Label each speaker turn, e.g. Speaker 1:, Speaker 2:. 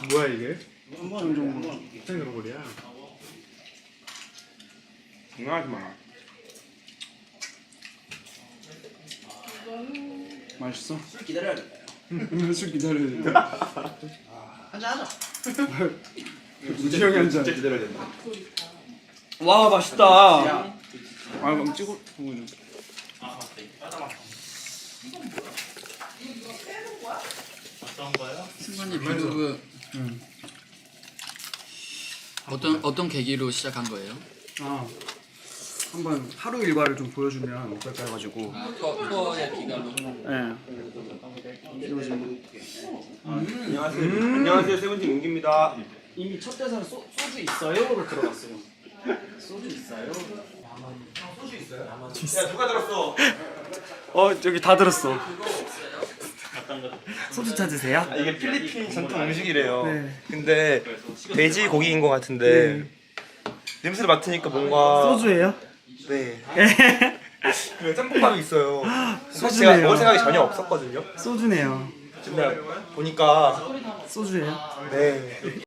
Speaker 1: 뭐야 이게?
Speaker 2: 정도.
Speaker 1: 생으로골이야.
Speaker 3: 장난하지 마.
Speaker 2: 맛있어?
Speaker 4: 술 기다려야겠다.
Speaker 2: 술 기다려야 돼.
Speaker 4: 한잔 하자.
Speaker 2: 우지영이 한 잔.
Speaker 3: 진짜 기다려야 된다.
Speaker 2: 와 맛있다.
Speaker 4: 야,
Speaker 2: 아 그럼 찍어 보여줘.
Speaker 5: 어떤 거요?
Speaker 6: 승관님 브이로그 어떤 계기로 시작한 거예요?
Speaker 2: 아 한번 하루 일과를 좀 보여주면 어떨까 해가지고.
Speaker 6: 투어의 기간으로.
Speaker 2: 네.
Speaker 3: 안녕하세요. 안녕하세요. 세븐틴 용기입니다.
Speaker 4: 이미 첫 대사는 소주 있어요로 들어갔어요. 소주 있어요?
Speaker 3: 야 누가 들었어?
Speaker 2: 저기 다 들었어.
Speaker 5: 어떤 거?
Speaker 2: 소주 찾으세요?
Speaker 7: 아, 이게 필리핀 전통 음식이래요.
Speaker 2: 네.
Speaker 7: 근데 돼지 고기인 것 같은데 냄새를 맡으니까 뭔가
Speaker 2: 소주예요?
Speaker 7: 네. 그 짬뽕밥이 있어요. 사실
Speaker 2: 소주네요.
Speaker 7: 제가 먹을 생각이 전혀 없었거든요.
Speaker 2: 소주네요.
Speaker 7: 근데 보니까
Speaker 2: 소주예요?
Speaker 7: 네